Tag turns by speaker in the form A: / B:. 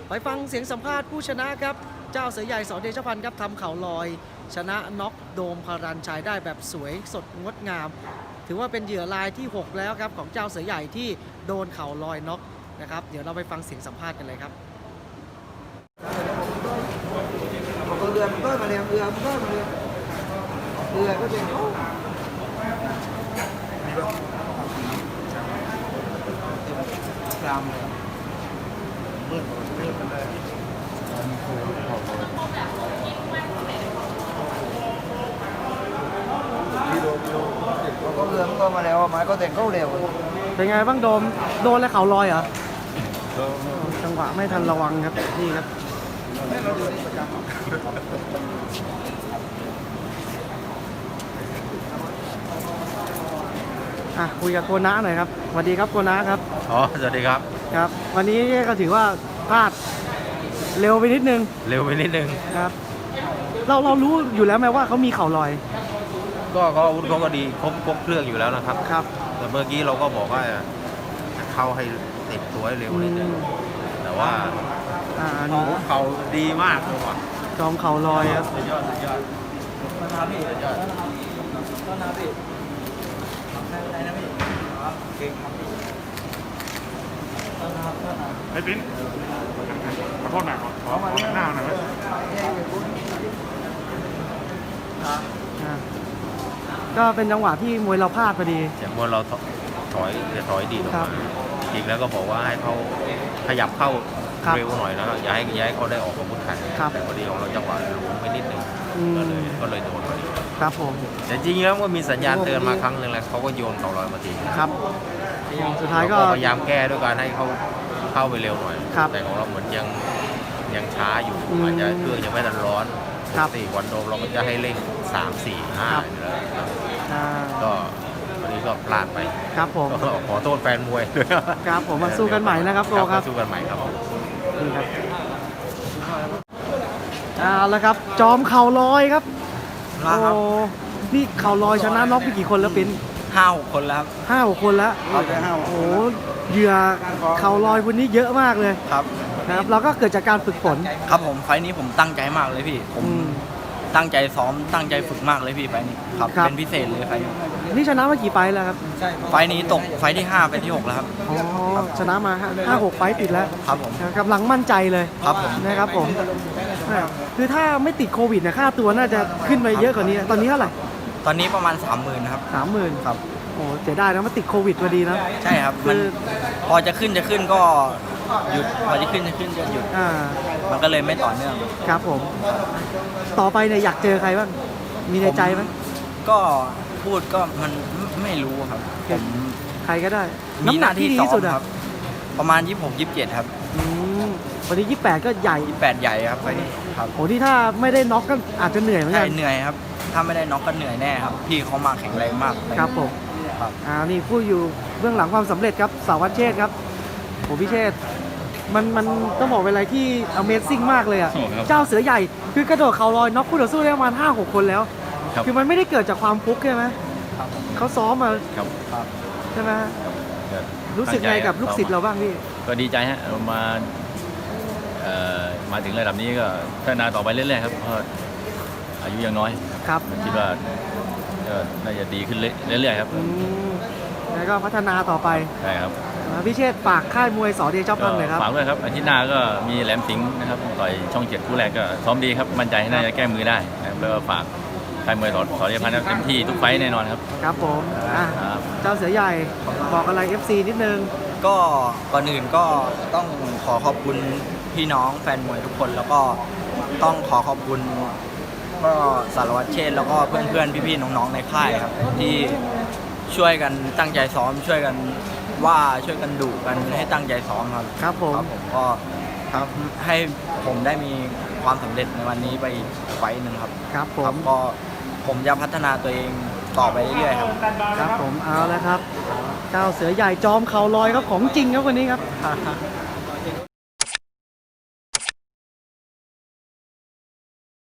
A: ไปฟังเสียงสัมภาษณ์ผู้ชนะครับเจ้าเสือใหญ่สเดชพันธ์ครับทำเข่าลอยชนะน็อกโดมพารัญชัยได้แบบสวยสดงดงาม ถือว่าเป็นเหยื่อรายที่ 6 แล้วครับของเจ้าเสือใหญ่ที่โดนเข่าลอยน็อกนะครับเดี๋ยวเราไปฟังเสียงสัมภาษณ์กันเลยครับ
B: เรือมันก็มาเรือก็จะกรามเลยมืดเลยก็เรือมันก็มาแล้วไม้ก็แต่งเข้าเร็ว
A: เป็นไงบ้างโดมโดนแล้วเข่าลอยเหรอจังหวะไม่ทันระวังครับนี่ครับคุยกับโกนะหน่อยครับสวัสดีครับโกนะครับ
C: สวัสดีครับ
A: ครับวันนี้ก็ถือว่าพลาดเร็วไปนิดนึงครับเรารู้อยู่แล้วไหมว่าเขามีเข่าลอย
C: ก็อาวุธเขาก็ดีครบเครื่องอยู่แล้วนะครับ
A: ครับ
C: แต่เมื่อกี้เราก็บอกว่าเข้าให้ติดตัวให้เร็วนิดนึงแต่ว่าเข่าดีมากเลยว่ะ
A: จอมเข่าลอยครับ
C: สุดยอด
B: มานาพี่สุดยอดต้นนาพี่อะไรนะพี่เก่งครับพี่
D: ไอ้ปิ๊นขอโทษหน่อยขอหน้าหน่อยไหม
A: ก็เป็นจังหวะที่มวยเราพลาดพอดี
C: จากมวยเราถอยดีออกมาอีกแล้วก็บอกว่าให้เขาขยับเข้าเร็วหน่อยแล้วอย่าให้เขาได้ออกอาวุธแข็งแต่พอดีของเราจังหวะหลวมไปนิดนึงก็เลยโดนพอดี
A: ครับผม
C: แต่จริงๆแล้วก็มีสัญญาณเตือนมาครั้งหนึ่งแล้วเขาก็โยนเข่าลอยมาที
A: ครับสุดท้ายก็
C: พยายามแก้ด้วยการให้เขาเข้าไปเร็วหน่อยแต่ของเราเหมือนยังช้าอยู่อาจจะเครื่องยังไม่ทันร้อน4 วันโดมเราก็จะให้เร่ง3, 4, 5ก็วันนี้ก็พลาดไป
A: ครับผม
C: ขอโทษแฟนมวยด้วย
A: ครับผมมาสู้กันใหม่นะครับโกครับ
C: สู้กันใหม่ครับ
A: นี่ครับแล้วครับจอมเข่าลอยครับโอ้นี่เข่าลอยชนะน็อกไปกี่คนแล้วเป็น
B: 5-6 คนแล้ว
A: 5-6 คนแล้วโอ้เหยื่อเข่าลอยคนนี้เยอะมากเลย
B: ครับ
A: เราก็เกิดจากการฝึกฝน
B: ครับผมไฟนี้ผมตั้งใจมากเลยพี่ผมตั้งใจซ้อมตั้งใจฝึกมากเลยพี่ไฟนี้ครับเป็นพิเศษเลยไฟ
A: นี่ชนะมากี่ไฟแล้วครับ
B: ไฟนี้ตกไฟที่5ไฟที่6แล้วครับ
A: ชนะมา5-6 ไฟติดแล้ว
B: ครับผม
A: กำลังมั่นใจเลย
B: ครับผม
A: นะครับผมคือถ้าไม่ติดโควิดเนี่ยค่าตัวน่าจะขึ้นไปเยอะกว่านี้ตอนนี้เท่าไหร่
B: ตอนนี้ประมาณ 30,000ครับ
A: 30,000
B: ครับ
A: โอ้เสียดายนะมาติดโควิดพอดีนะ
B: ใช่ครับมันพอจะขึ้นก็หยุดพอจะขึ้นก็หยุดมันก็เลยไม่ต่อเนื่อง
A: ครับผมต่อไปเนี่ยอยากเจอใครบ้างมีในใจไหม
B: ก็พูดก็มันไม่รู้ครับผม
A: ใครก็ได้
B: มีหน้าที่ดีสุดครับประมาณ26-27ครับ
A: วันนี้28ก็ใหญ่
B: 28ใหญ่ครับไปนี่ครับ
A: โอ้ที่ถ้าไม่ได้น็อกก็อาจจะเหนื่อยเหมือนกัน
B: เหนื่อยครับถ้าไม่ได้น็อกก็เหนื่อยแน่ครับพี่เขามาแข็งแรงมาก
A: ครับผมนี่ผู้อยู่เบื้องหลังความสำเร็จครับสาวัตรเชษครับโอ้พี่เชษมันต้องบอกเป็นอะไรที่ Amazing มากเลยอ่ะเจ้าเสือใหญ่คือกระโดดเข่าลอยน็อกคู่ต่อสู้ได้ประมาณ 5-6 คนแล้วคือมันไม่ได้เกิดจากความฟุกใช่ไหมเขาซ้อมมาใช่ไหมรู้สึกไงกับลูกศิษย์เราบ้างพี่
C: ก็ดีใจฮะมาถึงระดับนี้ก็พัฒนาต่อไปเรื่อยๆครับเพราะอายุยังน้อย
A: ครับ
C: คิดว่าน่าจะดีขึ้นเรื่อยๆครับ
A: แล้วก็พัฒนาต่อไป
C: ใช่ครับ
A: พี่เชษฝากค่ายมวยสเดชพันธ์เลยครับ
C: ฝากด้วยครับอาทิตย์หน้าก็มีแหลมสิงห์นะครับต่อยช่อง7คู่แรกก็ซ้อมดีครับมั่นใจน่าจะแก้มือได้แล้วก็ฝากค่ายมวยสเดชพันธ์เต็มที่ทุกไฟแน่นอนครับ
A: ครับผมเจ้าเสือใหญ่บอกอะไร FC นิดนึง
B: ก็ก่อนอื่นก็ต้องขอขอบคุณพี่น้องแฟนมวยทุกคนแล้วก็ต้องขอขอบคุณก็สารวัตรเชษแล้วก็เพื่อนๆพี่ๆน้องๆในค่ายครับที่ช่วยกันตั้งใจซ้อมช่วยกันช่วยกันดุกันให้ตั้งใจซ้อมครับ
A: ครับผม
B: ก็ให้ผมได้มีความสำเร็จในวันนี้ไปไฟหนึ่งครับ
A: ครับผม
B: ก็ผมจะพัฒนาตัวเองต่อไปเรื่อยๆครับ
A: ครับผมเอาแล้วครับเจ้าเสือใหญ่จอมเข่าลอยครับของจริงครับวันนี้ครับ